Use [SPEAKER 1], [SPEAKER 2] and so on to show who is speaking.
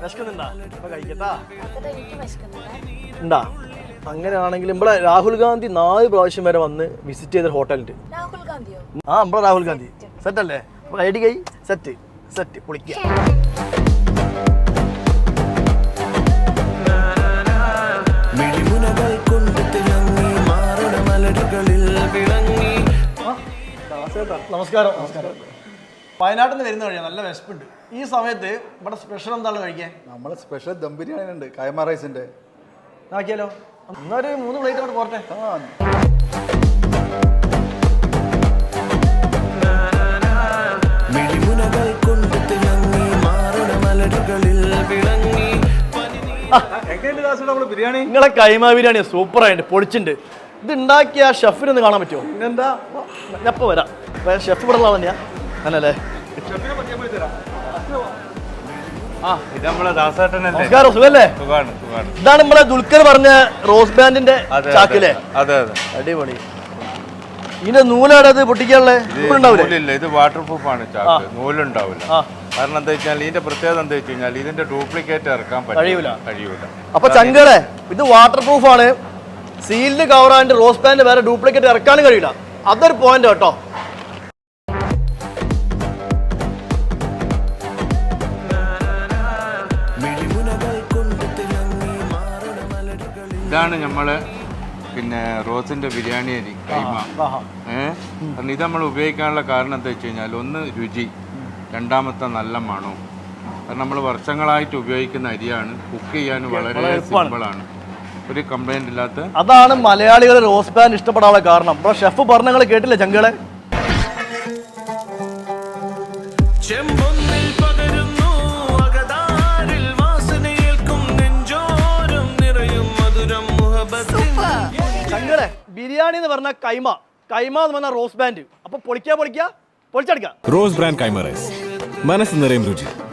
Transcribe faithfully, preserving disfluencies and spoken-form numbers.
[SPEAKER 1] വിശക്കുന്നുണ്ടാ അപ്പൊ കഴിക്കട്ടാ ഉണ്ടാ അങ്ങനെയാണെങ്കിൽ ഇവിടെ രാഹുൽ ഗാന്ധി നാല് പ്രാവശ്യം വരെ വന്ന് വിസിറ്റ് ചെയ്ത ഹോട്ടലുണ്ട്. ആ ഇവിടെ രാഹുൽ ഗാന്ധി സെറ്റ് അല്ലേ? അപ്പൊ ഐ ഡി കൈ സെറ്റ് സെറ്റ് പൊളിക്കുക. നമസ്കാരം. നമസ്കാരം. വയനാട്ടിൽ നിന്ന് വരുന്ന വഴിയാണ്, നല്ല വിശപ്പുണ്ട്. ഈ സമയത്ത് ഇവിടെ സ്പെഷ്യൽ എന്താണ് കഴിക്കാൻ?
[SPEAKER 2] നമ്മളെ സ്പെഷ്യൽ ദം ബിരിയാണി ഉണ്ട്, കൈമ റൈസിന്റെ.
[SPEAKER 1] ആക്കിയാലോ? എന്നൊരു മൂന്ന് പ്ലേറ്റ് കൊണ്ട് പോരട്ടെ.
[SPEAKER 2] ബിരിയാണി
[SPEAKER 1] നിങ്ങളെ കൈമ ബിരിയാണി സൂപ്പറായിട്ട് പൊളിച്ചിട്ടുണ്ട്. ഇത് ഉണ്ടാക്കിയ ഷെഫിനൊന്ന് കാണാൻ പറ്റുമോ?
[SPEAKER 2] പിന്നെന്താ,
[SPEAKER 1] എപ്പോൾ വരാം. ഷെഫ് ഇവിടെ ഉള്ള തന്നെയാ അല്ലേ? നമസ്കാരം, സുഖല്ലേ? ഇതാണ് നമ്മളെ ദുൽഖർ പറഞ്ഞ റോസ് ബാൻഡിന്റെ ചാക്കില്ലേ? അടിപൊളി. ഇതിന്റെ നൂലാടത് പൊട്ടിക്കാനുള്ളത്
[SPEAKER 3] ഇത് വാട്ടർ പ്രൂഫ് ആണ് ചാക്ക്, നൂലുണ്ടാവില്ല. കാരണം എന്താ വെച്ചാൽ ഇതിന്റെ പ്രത്യേകത എന്താ വെച്ച് കഴിഞ്ഞാൽ ഇതിന്റെ ഡ്യൂപ്ലിക്കേറ്റ് ഇറക്കാൻ കഴിയൂല കഴിയൂല
[SPEAKER 1] അപ്പൊ ചങ്കടെ ഇത് വാട്ടർ പ്രൂഫ് ആണ്, സീൽഡ് കവറാണ്ട് റോസ് ബാൻഡ് വേറെ ഡ്യൂപ്ലിക്കേറ്റ് ഇറക്കാനും കഴിയില്ല. അതൊരു പോയിന്റ് കേട്ടോ.
[SPEAKER 3] ഇതാണ് നമ്മള് പിന്നെ റോസിന്റെ ബിരിയാണി അരി കൈമ. ഏഹ് കാരണം ഇത് നമ്മൾ ഉപയോഗിക്കാനുള്ള കാരണം എന്താ വെച്ച് കഴിഞ്ഞാൽ ഒന്ന് രുചി, രണ്ടാമത്തെ നല്ല മണവും. കാരണം നമ്മൾ വർഷങ്ങളായിട്ട് ഉപയോഗിക്കുന്ന അരിയാണ്, കുക്ക് ചെയ്യാൻ വളരെ സിമ്പിളാണ്, ഒരു കംപ്ലൈന്റ് ഇല്ലാത്ത.
[SPEAKER 1] അതാണ് മലയാളികൾ റോസ് ബാൻഡ് ഇഷ്ടപ്പെടാനുള്ള കാരണം. ഇപ്പൊ ഷെഫ് പറഞ്ഞ കേട്ടില്ലേ ചങ്കളെ? ചങ്കടെ ബിരിയാണി എന്ന് പറഞ്ഞ കൈമ, കൈമ എന്ന് പറഞ്ഞ റോസ് ബാൻഡ്. അപ്പൊ പൊളിക്കാ പൊളിക്കാ പൊളിച്ചെടുക്കാം.
[SPEAKER 4] റോസ് ബ്രാൻഡ് കൈമ റൈസ്, മനസ്സ് നിറയും രുചി.